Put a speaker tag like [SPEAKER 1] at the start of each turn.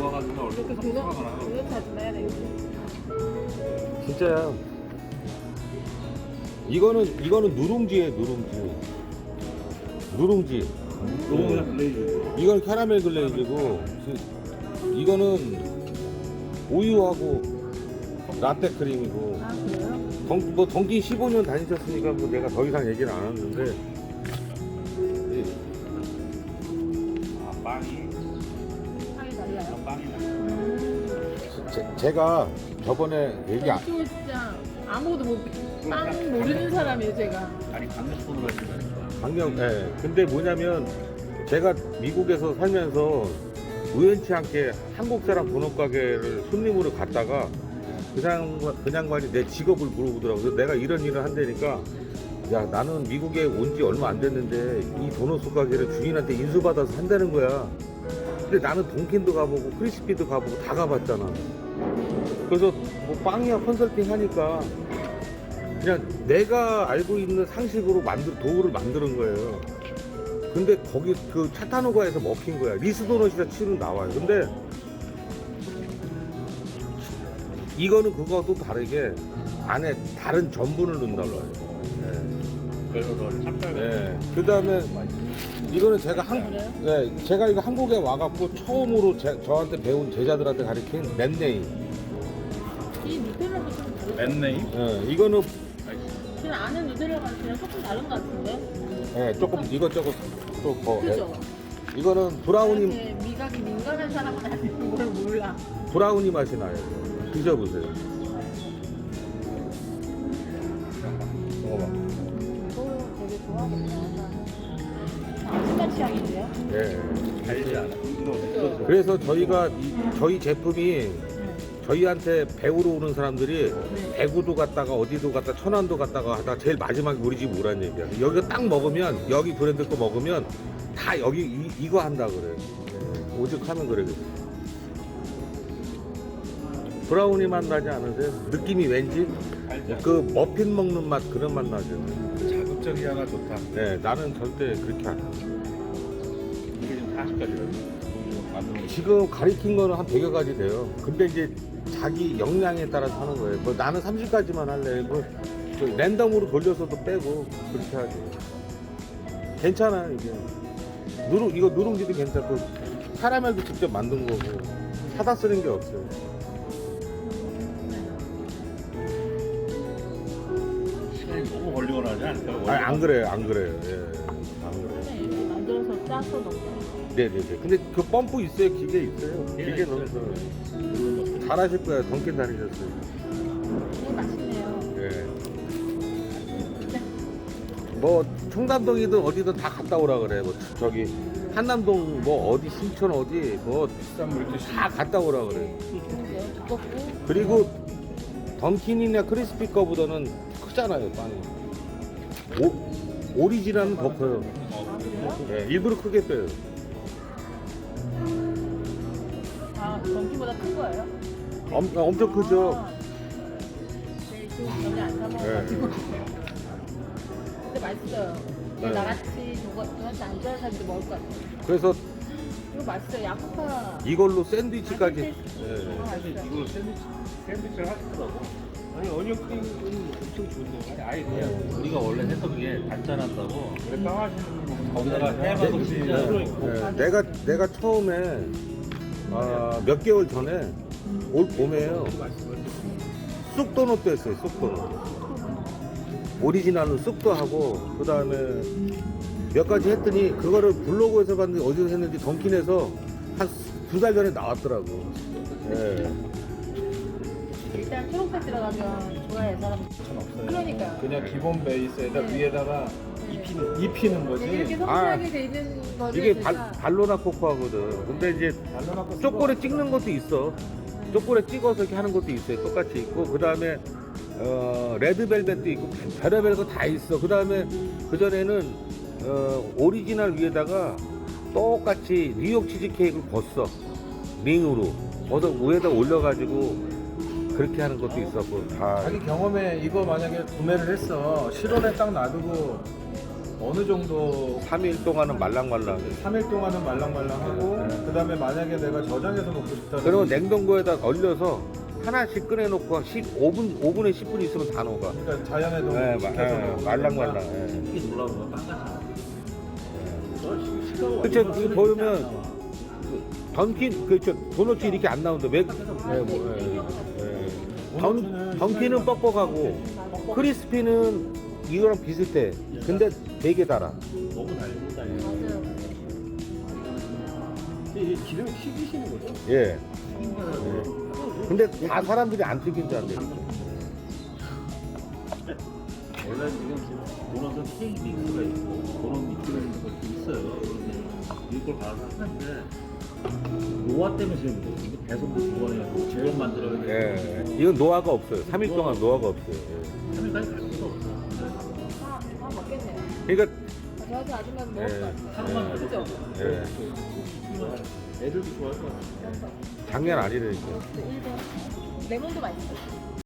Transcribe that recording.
[SPEAKER 1] 녹아가지고 얼른
[SPEAKER 2] 그거 그거 찾아내야 되겠지.
[SPEAKER 3] 진짜야. 이거는 누룽지예요, 누룽지. 누룽지.
[SPEAKER 1] 녹으면 글레이즈.
[SPEAKER 3] 이건 캐러멜 글레이즈고, 이거는 우유하고 라떼 크림이고.
[SPEAKER 2] 아 그래요?
[SPEAKER 3] 뭐 던킨 15년 다니셨으니까 뭐 내가 더 이상 얘기는 안 하는데.
[SPEAKER 1] 아 빵이
[SPEAKER 2] 향이 달라요?
[SPEAKER 1] 빵이 나.
[SPEAKER 3] 제가 저번에 얘기 안,
[SPEAKER 2] 이거 진짜 아무것도 빵 모르는 사람이에요 제가.
[SPEAKER 1] 아니 강력분으로 했다니까.
[SPEAKER 3] 강력, 예. 근데 뭐냐면 제가 미국에서 살면서 우연치 않게 한국 사람 도넛 가게를 손님으로 갔다가 그 양반이 내 직업을 물어보더라고요. 그래서 내가 이런 일을 한다니까, 야, 나는 미국에 온 지 얼마 안 됐는데 이 도넛 가게를 주인한테 인수받아서 한다는 거야. 근데 나는 돈킨도 가보고 크리스피도 가보고 다 가봤잖아. 그래서 뭐 빵이야 컨설팅 하니까 그냥 내가 알고 있는 상식으로 도구를 만드는 거예요. 근데 거기 그 차타노가에서 먹힌 거야. 리스도넛이라 치면 나와요. 근데 이거는 그거도 다르게 안에 다른 전분을 넣는다고 해요.
[SPEAKER 1] 그래서 너 참잘.
[SPEAKER 3] 네. 그 다음에 이거는 제가 제가 이거 한국에 와갖고 처음으로 저한테 배운 제자들한테 가르친 넷네임.
[SPEAKER 2] 이 누텔라도 좀 다르죠?
[SPEAKER 1] 맨네임?
[SPEAKER 3] 네. 이거는
[SPEAKER 2] 그냥 아는 누텔라가 그냥 조금 다른 것 같은데?
[SPEAKER 3] 네, 조금 이것저것 또 더.
[SPEAKER 2] 그죠?
[SPEAKER 3] 이거는 브라우니
[SPEAKER 2] 이렇게 미각이 민감한 사람은 아닌 걸 몰라.
[SPEAKER 3] 브라우니 맛이 나요. 드셔보세요. 먹어봐.
[SPEAKER 2] 이거 되게 좋아하겠다. 아침맛 취향인데요?
[SPEAKER 3] 예.
[SPEAKER 1] 달지 않아. 이거
[SPEAKER 3] 그래서 저희가 저희 제품이 저희한테 배우러 오는 사람들이 대구도 갔다가 어디도 갔다 천안도 갔다가 하다 제일 마지막에 우리 집 오란 얘기야. 여기가 딱 먹으면 여기 브랜드 거 먹으면 다 여기 이거 한다 그래. 오죽하면 그래. 브라우니 맛 나지 않으세요? 느낌이 왠지
[SPEAKER 1] 달지 않아.
[SPEAKER 3] 그 머핀 먹는 맛 그런 맛 나죠.
[SPEAKER 1] 자극적이 하나 좋다.
[SPEAKER 3] 네, 나는 절대 그렇게 안 해.
[SPEAKER 1] 이게 지금 40가지거든. 만드는 거.
[SPEAKER 3] 지금 가리킨 거는 한 100여 가지 돼요. 근데 이제 자기 역량에 따라서 하는 거예요. 뭐 나는 30가지만 할래. 뭐 랜덤으로 돌려서도 빼고 그렇게 하지. 괜찮아요, 이게. 이거 누룽지도 괜찮고, 카라멜도 직접 만든 거고, 사다 쓰는 게 없어요.
[SPEAKER 1] 시간이 너무 걸리거나 하지 않을까?
[SPEAKER 3] 아니, 안 그래요, 안 그래요. 예, 안 그래요.
[SPEAKER 2] 그냥 이렇게 만들어서 짜서 넣고.
[SPEAKER 3] 네네네. 근데 그 펌프 있어요, 기계 있어요. 기계 넣어서. 잘하실 거예요. 던킨 다니셨어요.
[SPEAKER 2] 이거 맛있네요.
[SPEAKER 3] 예. 뭐 청담동이든 어디든 다 갔다 오라 그래. 뭐 저기 한남동 뭐 어디 신촌 어디 뭐
[SPEAKER 1] 비싼 물도
[SPEAKER 3] 다 갔다 오라 그래.
[SPEAKER 2] 좋은데 두껍고.
[SPEAKER 3] 그리고 던킨이나 크리스피 거보다는 크잖아요, 빵이. 오리지널은 더 커요.
[SPEAKER 2] 아 그래요?
[SPEAKER 3] 예, 일부러 크게 빼요.
[SPEAKER 2] 아 전기보다 큰 거예요?
[SPEAKER 3] 엄청 크죠.
[SPEAKER 2] 네, 지금 전혀 안 사먹어가지고. 근데 맛있어요.
[SPEAKER 3] 네.
[SPEAKER 2] 나같이 저한테 안 좋아하는 사람도 먹을 것 같아요.
[SPEAKER 3] 그래서
[SPEAKER 2] 이거 맛있어요. 야쿠파.
[SPEAKER 3] 이걸로 샌드위치까지.
[SPEAKER 2] 아,
[SPEAKER 3] 예.
[SPEAKER 2] 맛있어요.
[SPEAKER 1] 이거 샌드위치를 하시더라고. 아니 어니언 크림은 엄청 좋은데. 아니 그냥 우리가 원래 했던 게 단짠한다고. 그래 빵 하시는 거 거기다가 해봐도 진짜 들어있고.
[SPEAKER 3] 예, 내가 처음에 몇 개월 전에 올 봄에요. 쑥도넛도 했어요. 쑥도넛. 오리지널은 쑥도 하고 그 다음에 몇 가지 했더니 그거를 블로그에서 봤는데 어디서 했는지 던킨에서 한 2달 전에 나왔더라고. 예.
[SPEAKER 2] 일단 초록색 들어가면 좋아해 사람.
[SPEAKER 1] 없어요.
[SPEAKER 2] 그러니까.
[SPEAKER 1] 그냥 기본 베이스에다
[SPEAKER 2] 네.
[SPEAKER 1] 위에다가 입히는 거지.
[SPEAKER 2] 이렇게 성장이 돼 있는 거를
[SPEAKER 3] 이게
[SPEAKER 2] 제가
[SPEAKER 3] 발로나 코코하거든. 근데 이제
[SPEAKER 1] 발라놓고
[SPEAKER 3] 초콜릿 찍는 것도 있어. 초콜릿 찍어서 이렇게 하는 것도 있어요. 똑같이 있고 그 다음에 레드벨벳도 있고 별의별 거 다 있어. 그 다음에 그 전에는 오리지널 위에다가 똑같이 뉴욕 치즈케이크를 벗어 링으로 벗어 위에다 올려가지고 그렇게 하는 것도 있었고 다.
[SPEAKER 4] 자기 경험에 이거 만약에 구매를 했어 실온에 딱 놔두고 어느 정도
[SPEAKER 3] 3일 동안은 말랑말랑해.
[SPEAKER 4] 3일 동안은 말랑말랑하고 그다음에 만약에 내가 저장해서 먹고 싶다.
[SPEAKER 3] 그리고 냉동고에다 얼려서 하나씩 꺼내놓고 5분에 10분 있으면 다 녹아.
[SPEAKER 4] 그러니까 자연의 동을 지켜서 먹으니까
[SPEAKER 3] 말랑말랑. 예.
[SPEAKER 1] 이게 놀라운 거야 빵같이.
[SPEAKER 3] 그쵸, 그 보면 던킨 그쵸 도넛이 이렇게 안 나온다. 던킨은 뻑뻑하고 크리스피는 이거랑 비슷해. 근데 되게 달아.
[SPEAKER 1] 너무 달다.
[SPEAKER 2] 맞아요.
[SPEAKER 4] 이게 기름이 튀기시는 거죠?
[SPEAKER 3] 예. 근데 다 사람들이 안 튀긴 줄 알았는데.
[SPEAKER 1] 원래 지금 도넛은 케이크 믹스가 있고 도넛 믹스가 있는 것도 있어요. 근데 이걸 가서 하는데 노화 때문에 지금 이거 배송도 두 번 해가지고 직원 만들어야 돼.
[SPEAKER 3] 예. 이건 노화가 없어요. 3일 동안 노화가 없어요. 예.
[SPEAKER 1] 3일까지 갈 수가 없어.
[SPEAKER 2] 다 먹겠네요.
[SPEAKER 3] 그러니까
[SPEAKER 2] 저한테 아줌마 먹을 것 같아요.
[SPEAKER 1] 하루만 가도
[SPEAKER 2] 그죠?
[SPEAKER 3] 예.
[SPEAKER 1] 애들도 좋아할 것 같아.
[SPEAKER 3] 장난 아니라니까.
[SPEAKER 2] 일본 레몬도 맛있어.